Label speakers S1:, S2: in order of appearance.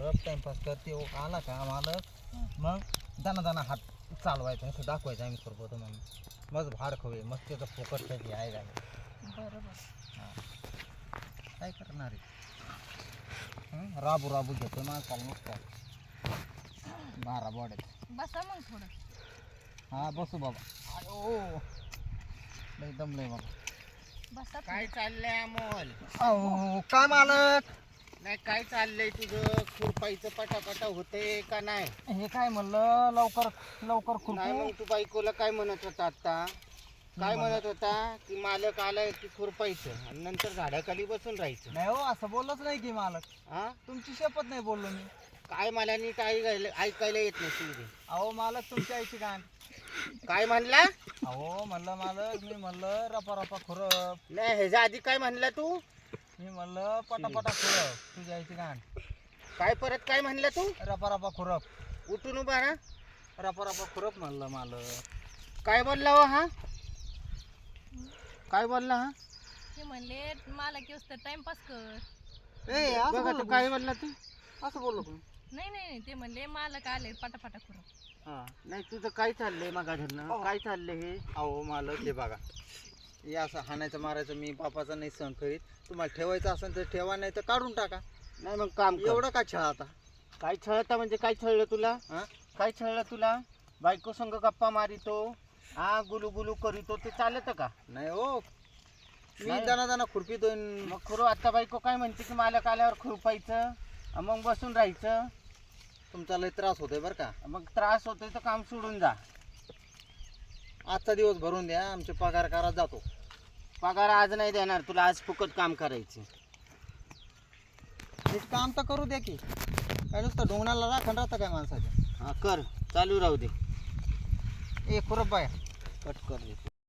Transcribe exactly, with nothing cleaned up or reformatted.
S1: खुरप timepass करते हो आला का मालक मग दाना दाना हात चालवायचा असं दाखवायचं आम्ही खुरपतो म्हणून मग भाड खवे मग त्याचं फोकट त्याची आहे झालं
S2: बरोबर.
S1: काय करणार आहे हं? राबू राबू घेतो माणसाला नुसतं बारा बोड्यात.
S2: बसा मग थोडं.
S1: हा बसू बाबा अयो लय दमलंय बाबा.
S2: बसा
S3: काय चाललंय अमोल?
S1: अहो काय मालक
S3: नाही काय चाललंय तुझं? खुरपाईचं पटापटा होते का नाही?
S1: हे काय म्हणलं लवकर लवकर
S3: नाही
S1: खुरपू
S3: मग तू बायकोला काय म्हणत होता आता? काय म्हणत होता की मालक आलाय की खुरपायचं आणि नंतर झाडाखाली बसून राहायचं.
S1: नाही हो असं बोललंच नाही की मालक
S3: हा
S1: तुमची शपथ नाही बोललो मी.
S3: काय मला नीट ऐकायला ऐकायला येत नाही तुझे.
S1: अहो मालक तुमच्या आईची गाण.
S3: काय म्हणला?
S1: अहो म्हणलं मालक मी म्हणलं रपा रपा खुरप
S3: नाही ह्याच्या आधी काय म्हणला तू?
S1: मी म्हणलं पटापटा खुरप तुझ्या आईची गाण.
S3: काय परत काय म्हणला तू?
S1: रपा रपा खुरप
S3: उठून उभा ना.
S1: रपा रपा खुरप म्हणलं मालक.
S3: काय बोलला हो हा? काय बोलला हा?
S2: ते म्हणले मला की असतं टाइमपास कर.
S1: ए असं
S3: बघा
S1: बोललो
S3: तू
S1: का?
S3: काय बोलला तू?
S1: असं बोललो का?
S2: नाही नाही नाही, ते म्हणले मालक आले पटापटा खुरप.
S3: हा नाही तुझं काय चाललंय मगा धरणं? काय चाललंय हे?
S1: अहो मालक हे बघा हे असं हाणायचं मारायचं मी बापाचा नाही सहन करीत. तुम्हाला ठेवायचं असेल तर ठेवा नाही तर काढून टाका.
S3: नाही मग काम कर.
S1: एवढं का छळ आता
S3: काय छळता म्हणजे काय छळलं तुला?
S1: हा?
S3: काय छळलं तुला? बायको संग गप्पा मारितो हा गुलू गुलू करीतो ते चालत का?
S1: नाही हो मी
S3: नाही.
S1: दाना दाना खुरपीतोय
S3: मग खुरू आता बायको काय म्हणते की मालक आल्यावर खुरपायचं अन मग बसून राहायचं.
S1: तुमचा लय त्रास होतोय बरं का.
S3: मग त्रास होतोय तर काम सोडून जा.
S1: आजचा दिवस भरून द्या आमचे पगार करा जातो.
S3: पगार आज नाही देणार तुला, आज फुकट काम करायचं.
S1: हे काम तर करू द्या की काय नुसतं ढोंगणाला राखण राहतं काय माणसाच्या.
S3: हा कर चालू राहू दे.
S1: ए खुरप बाया
S3: कट कर दे.